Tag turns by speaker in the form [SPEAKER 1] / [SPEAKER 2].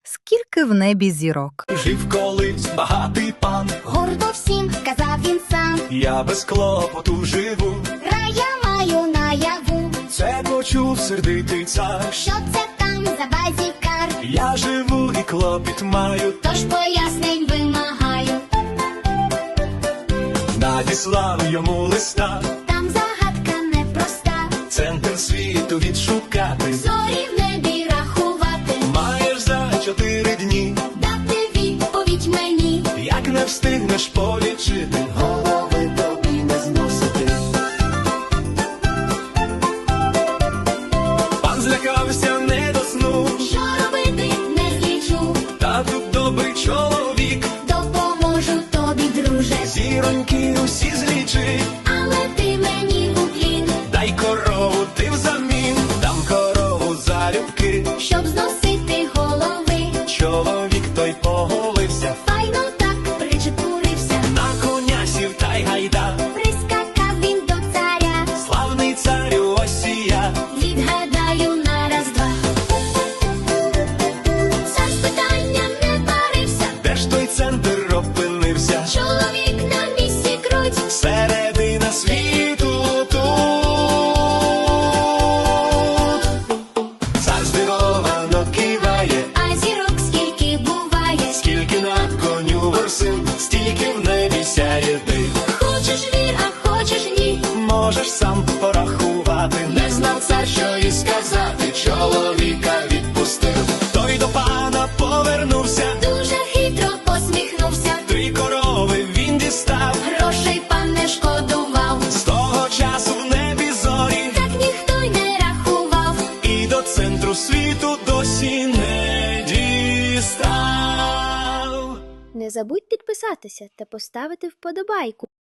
[SPEAKER 1] Скільки в небі зірок.
[SPEAKER 2] Жив колись багатий пан,
[SPEAKER 3] гордо всім казав він сам.
[SPEAKER 2] я без клопоту живу.
[SPEAKER 3] Рая маю наяву.
[SPEAKER 2] Це почув сердитий цар.
[SPEAKER 3] Що це там за базікар?
[SPEAKER 2] Я живу і клопіт маю,
[SPEAKER 3] Тож пояснень вимагаю.
[SPEAKER 2] надіслав йому листа.
[SPEAKER 3] Там загадка непроста.
[SPEAKER 2] Центр світу відшукати.
[SPEAKER 3] Зорі в небі рахувати.
[SPEAKER 2] Маєш за 4 дні.
[SPEAKER 3] Дати відповідь мені.
[SPEAKER 2] Як не встигнеш полічити, голови тобі не зносити. Пан злякався не до сну.
[SPEAKER 3] Що робити не злічу.
[SPEAKER 2] Та тут добрий чоловік.
[SPEAKER 3] Допоможу тобі, друже.
[SPEAKER 2] Зіроньки усі злічи.
[SPEAKER 3] Але ти мені в уклін.
[SPEAKER 2] Дай корову ти взамін. Дам корову залюбки.
[SPEAKER 3] Щоб зносити голови.
[SPEAKER 2] Чоловік той поголився.
[SPEAKER 3] Файно так причепурився.
[SPEAKER 2] На коня сів та й гайда.
[SPEAKER 3] Прискакав він до царя.
[SPEAKER 2] Славний царю, ось і я.
[SPEAKER 3] Відгадаю на раз-два. Цар з питанням не парився.
[SPEAKER 2] Де ж той центр опинився?
[SPEAKER 3] Чоловік на місці круть.
[SPEAKER 2] Середина світу тут. Цар здивовано киває.
[SPEAKER 3] А зірок скільки буває.
[SPEAKER 2] Скільки на коню ворсин, стільки в небі сяє ти.
[SPEAKER 3] Хочеш вір, а хочеш ні.
[SPEAKER 2] Можеш сам порахувати. Не знав цар, що і сказати. Чоловіка відпустив. Той до пана повернувся.
[SPEAKER 3] Дуже хитро посміхнувся.
[SPEAKER 2] 3 корови він дістав.
[SPEAKER 3] Грошей пан не шкодував.
[SPEAKER 2] З того часу в небі зорі.
[SPEAKER 3] Так ніхто й не рахував.
[SPEAKER 2] І до центру світу досі не дістав.
[SPEAKER 4] Не забудь підписатися та поставити вподобайку.